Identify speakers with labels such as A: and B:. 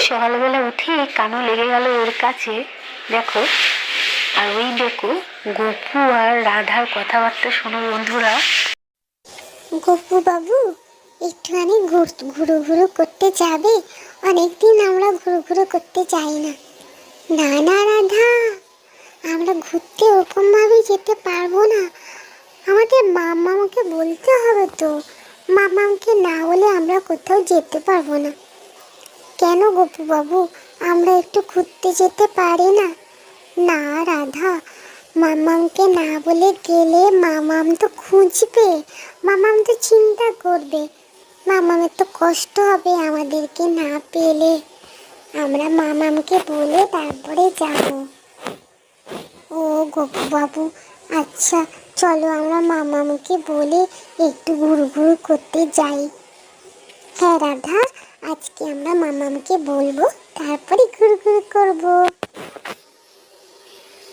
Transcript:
A: সকালবেলা উঠে কানু লেগে গেল ওর কাছে, দেখো। আর ওই দেখো গপু আর রাধার কথাবার্তা শোনো বন্ধুরা।
B: গপু বাবু, একটুখানি ঘুরু ঘুরু করতে যাবে? অনেকদিন আমরা ঘুরু ঘুরু করতে যাই না। না না রাধা, আমরা ঘুরতে ওরকম ভাবে যেতে পারবো না। আমাদের মামাকে বলতে হবে তো। মামাকে না বলে আমরা কোথাও যেতে পারবো না। কেন গপু বাবু, আমরা একটু ঘুরতে যেতে পারি না? না রাধা, মামাকে না বলে গেলে মামাম তো খুঁজবে, মামাম তো চিন্তা করবে, মামামের তো কষ্ট হবে আমাদেরকে না পেলে। আমরা মামামকে বলে তারপরে যাব। ও গপু বাবু, আচ্ছা চলো আমরা মামামকে বলে একটু ঘুরু ঘুরু করতে যাই। হ্যাঁ রাধা, আজকে আমরা মামামকে বলবো, তারপরে ঘুরু ঘুরু করবো।